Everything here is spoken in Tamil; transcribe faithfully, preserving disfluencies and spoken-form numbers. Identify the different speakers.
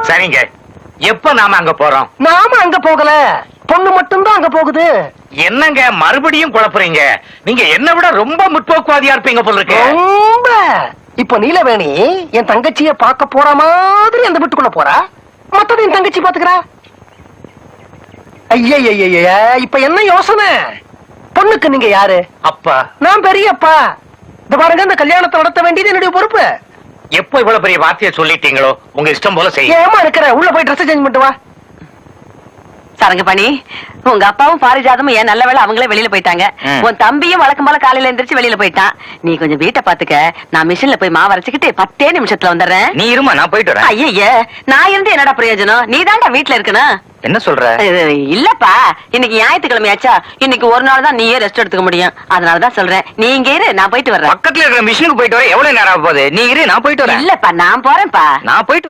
Speaker 1: சரிங்க, எப்ப நாம அங்க போறோம்?
Speaker 2: நாம அங்க போகல, பொண்ணு மட்டும்தான் அங்க போகுது.
Speaker 1: என்னங்க மறுபடியும் குழப்புறீங்க? நீங்க என்ன விட ரொம்ப முற்போக்குவாதியா இருப்பீங்க போல இருக்கு.
Speaker 2: ரொம்ப. இப்ப நீலவேணி என் தங்கச்சிய பார்க்க போற மாதிரி அந்த வீட்டுக்குள்ள போறா, மத்தது என் தங்கச்சி பாத்துக்கிறா. ஐய, இப்ப என்ன யோசனை? பொண்ணுக்கு நீங்க யாரு?
Speaker 1: அப்பா.
Speaker 2: நான் பெரியப்பா. இந்த பாருங்க, இந்த கல்யாணத்தை நடத்த வேண்டியது என்னுடைய பொறுப்பு.
Speaker 1: எப்போ இவ்வளவு பெரிய வார்த்தையை சொல்லிட்டீங்களோ, உங்க இஷ்டம் போல செய்ய.
Speaker 2: ஏமா இருக்கிற? உள்ள போய் ட்ரெஸ் சேஞ்ச் பண்ணிட்டு வா.
Speaker 3: சரங்க பண்ணி, உங்க அப்பாவும் பாரிஜாதமும் ஏன் நல்ல வேளை அவங்களே வெளியில போயிட்டாங்க. உன் தம்பியும் வழக்கம் போல காலையில எந்திரிச்சு வெளியில போயிட்டான். நீ கொஞ்சம் வீட்டை பாத்துக்க, நான் மிஷின்ல போய் மாவு அரைச்சுக்கிட்டு பத்தே நிமிஷத்துல வந்துடுறேன்.
Speaker 1: நீ இருமா, நான் போயிட்டு வரேன்.
Speaker 3: ஐய, நான் இருந்து என்னடா பிரயோஜனம்? நீ தான்டா வீட்டுல இருக்கணும்.
Speaker 1: என்ன சொல்ற?
Speaker 3: இல்லப்பா, இன்னைக்கு ஞாயிற்றுக்கிழமையாச்சா, இன்னைக்கு ஒரு நாள் தான் நீயே ரெஸ்ட் எடுத்துக்க முடியும். அதனாலதான் சொல்றேன், நீ இங்க இரு, நான் போயிட்டு வர்றேன்.
Speaker 1: பக்கத்துல இருக்கிற மிஷினுக்கு போயிட்டு வர எவ்வளவு நேரம் ஆக போகுது? நீ இரு, நான் போயிட்டு வரேன்.
Speaker 3: இல்லப்பா, நான் போறேன்ப்பா.
Speaker 1: நான் போயிட்டு